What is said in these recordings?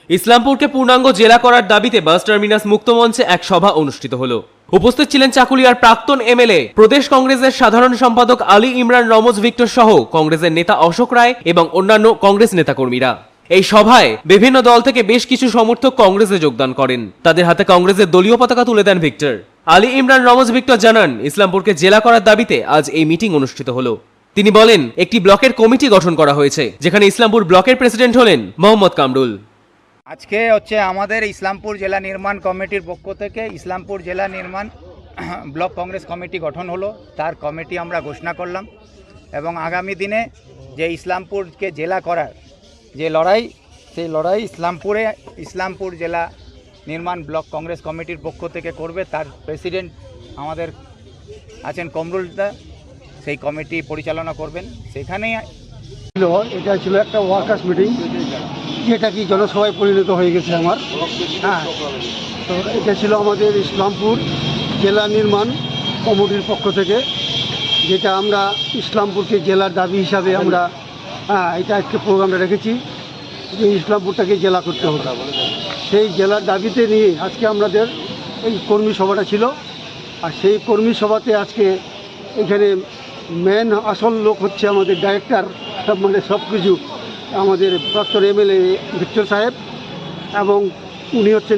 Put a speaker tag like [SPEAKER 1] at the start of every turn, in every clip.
[SPEAKER 1] ইসলামপুরকে পূর্ণাঙ্গ জেলা করার দাবিতে বাস টার্মিনাস মুক্ত মঞ্চে এক সভা অনুষ্ঠিত হলো। উপস্থিত ছিলেন চাকুলিয়ার প্রাক্তন এমএলএ, প্রদেশ কংগ্রেসের সাধারণ সম্পাদক আলী ইমরান রমজ ভিক্টর সহ কংগ্রেসের নেতা অশোক রায় এবং অন্যান্য কংগ্রেস নেতাকর্মীরা। এই সভায় বিভিন্ন দল থেকে বেশ কিছু সমর্থক কংগ্রেসে যোগদান করেন। তাদের হাতে কংগ্রেসের দলীয় পতাকা তুলে দেন ভিক্টর। আলী ইমরান রমজ ভিক্টর জানান, ইসলামপুরকে জেলা করার দাবিতে আজ এই মিটিং অনুষ্ঠিত হলো। তিনি বলেন, একটি ব্লকের কমিটি গঠন করা হয়েছে, যেখানে ইসলামপুর ব্লকের প্রেসিডেন্ট হলেন মোহাম্মদ কামরুল।
[SPEAKER 2] আজকে আমাদের ইসলামপুর জেলা নির্মাণ কমিটির পক্ষ থেকে ইসলামপুর জেলা নির্মাণ ব্লক কংগ্রেস কমিটি গঠন হলো। তার কমিটি আমরা ঘোষণা করলাম এবং আগামী দিনে যে ইসলামপুরকে জেলা করার যে লড়াই, সেই লড়াই ইসলামপুর জেলা নির্মাণ ব্লক কংগ্রেস কমিটির পক্ষ থেকে করবে। তার প্রেসিডেন্ট আমাদের আছেন কমরুলদা, সেই কমিটি পরিচালনা করবেন। সেখানেই
[SPEAKER 3] এটা ছিল একটা ওয়ার্কার্স মিটিং, যেটা কি জনসভায় পরিণত হয়ে গেছে আমার। হ্যাঁ, তো এটা ছিল আমাদের ইসলামপুর জেলা নির্মাণ কমিটির পক্ষ থেকে, যেটা আমরা ইসলামপুরকে জেলার দাবি হিসাবে আমরা এটা আজকে প্রোগ্রামটা রেখেছি যে ইসলামপুরটাকে জেলা করতে হবে। সেই জেলার দাবিতে নিয়ে আজকে আমাদের এই কর্মী সভাটা ছিল। আর সেই কর্মী সভাতে আজকে এখানে মেন আসল লোক হচ্ছে আমাদের ডাইরেক্টর, মানে সব কিছু আমাদের প্রাক্তন এমএলএ ভিক্টর সাহেব, এবং উনি হচ্ছেন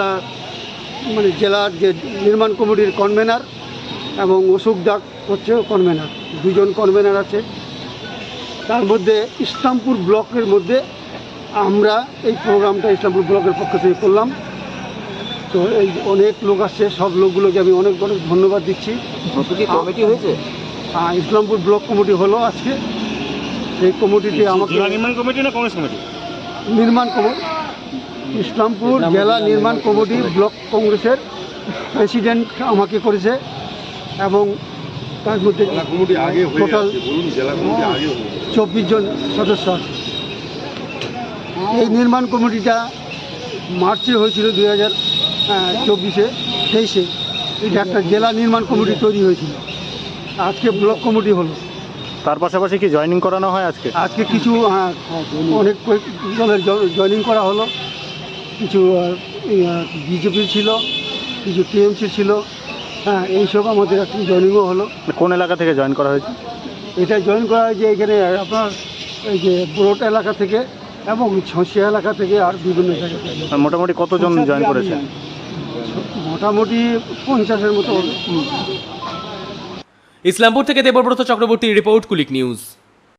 [SPEAKER 3] জেলার যে নির্মাণ কমিটির কনভেনার, এবং অশোক দাগ হচ্ছে কনভেনার। দুজন কনভেনার আছে। তার মধ্যে ইসলামপুর ব্লকের মধ্যে আমরা এই প্রোগ্রামটা ইসলামপুর ব্লকের পক্ষ থেকে করলাম। তো এই অনেক লোক আসছে, সব লোকগুলোকে আমি অনেক অনেক ধন্যবাদ দিচ্ছি।
[SPEAKER 2] কমিটি হয়েছে,
[SPEAKER 3] ইসলামপুর ব্লক কমিটি হলো আজকে। সেই কমিটিতে আমাকে
[SPEAKER 4] নির্মাণ কমিটি না কংগ্রেস কমিটি?
[SPEAKER 3] নির্মাণ কমিটি, ইসলামপুর জেলা নির্মাণ কমিটি ব্লক কংগ্রেসের প্রেসিডেন্ট আমাকে করেছে, এবং তার মধ্যে টোটাল 24 জন সদস্য আছে। এই নির্মাণ কমিটিটা মার্চে হয়েছিল 2024-23-এ। এটা একটা জেলা নির্মাণ কমিটি তৈরি হয়েছিল, আজকে ব্লক কমিটি হলো।
[SPEAKER 4] তার পাশাপাশি কি জয়েনিং করানো হয়
[SPEAKER 3] আজকে কিছু অনেক দলের জয়েনিং করা হলো। কিছু বিজেপির ছিল, কিছু টিএমসি ছিল। এইসব আমাদের একটু জয়েনিংও হলো।
[SPEAKER 4] কোন এলাকা থেকে জয়েন করা হয়েছে?
[SPEAKER 3] এটা জয়েন করা হয়েছে এখানে আপনার এই যে ব্রোট এলাকা থেকে এবং ছসিয়া এলাকা থেকে, আর বিভিন্ন জায়গা থেকে।
[SPEAKER 4] মোটামুটি কতজন জয়েন করেছে?
[SPEAKER 3] মোটামুটি 50-এর মতো।
[SPEAKER 1] ইসলামপুর থেকে দেবব্রত চক্রবর্তীর রিপোর্ট, কুলিক নিউজ।